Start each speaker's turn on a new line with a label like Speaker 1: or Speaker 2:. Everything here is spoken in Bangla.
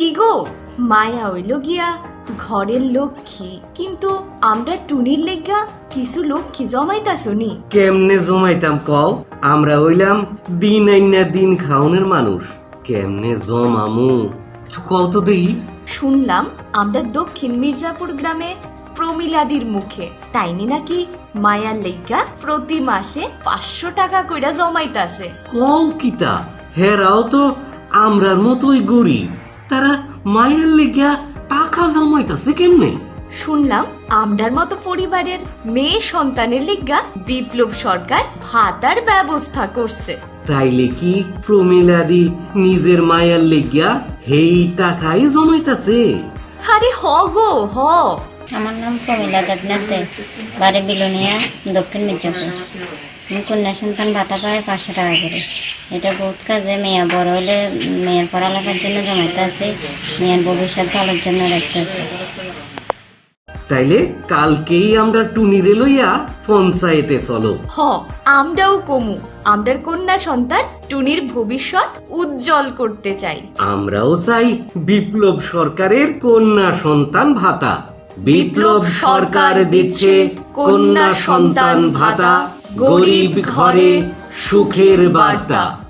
Speaker 1: কি গো, মায়া হইল গিয়া ঘরের লক্ষ্মী, কিন্তু আমরা টুনির লেগা কিছু লক্ষ্মী জমাইতাছনি।
Speaker 2: কেমনে জমাইতাম কও? আমরা হইলাম দিন আইনা দিন খাওনের মানুষ, কেমনে জমামু একটু কও তো দেখি।
Speaker 1: শুনলাম আমরা দক্ষিণ মির্জাপুর গ্রামে প্রমিলাদির মুখে তাইনি নাকি মায়ার লেগা প্রতি মাসে 500 টাকা কইরা জমাইতাছে।
Speaker 2: কও কিতা? হেরাও তো আমরার মতোই গরিব, তারা মায়ের লেগা টাকা জমাইতাছে কেমনে?
Speaker 1: শুনলাম আমরার মতো পরিবারের মেয়ে সন্তানের লিগা বিপ্লব সরকার ভাতার ব্যবস্থা করছে।
Speaker 2: তাইলে কি প্রমিলাদি নিজের মায়ের লেগা হেই টাকাই জমাইতাছে?
Speaker 1: আরে হ গো হ।
Speaker 3: আমার নাম প্রমিলা দেবনাথ দে, বাড়ি বিলোনিয়া, দক্ষিণ মির্জাপুর। আমি কন্যা সন্তান ভাতা পাই 500 টাকা করে। এটা বহুত কাজে, মেয়ে বড় হলে মেয়ের পড়ালেখার জন্য জমাইতে আছে, মেয়ের ভবিষ্যৎ ভালোর জন্য রাখতে আছে।
Speaker 2: তাইলে কালকেই আমরা টুনিরে লইয়া পঞ্চায়েতে চলো।
Speaker 1: হ, আমরাও কমু, আমরার কন্যা সন্তান টুনির ভবিষ্যৎ উজ্জ্বল করতে চাই।
Speaker 2: আমরাও চাই বিপ্লব সরকারের কন্যা সন্তান ভাতা। বিপ্লব সরকার দিচ্ছে কন্যা সন্তান ভাতা, গরিব ঘরে সুখের বার্তা।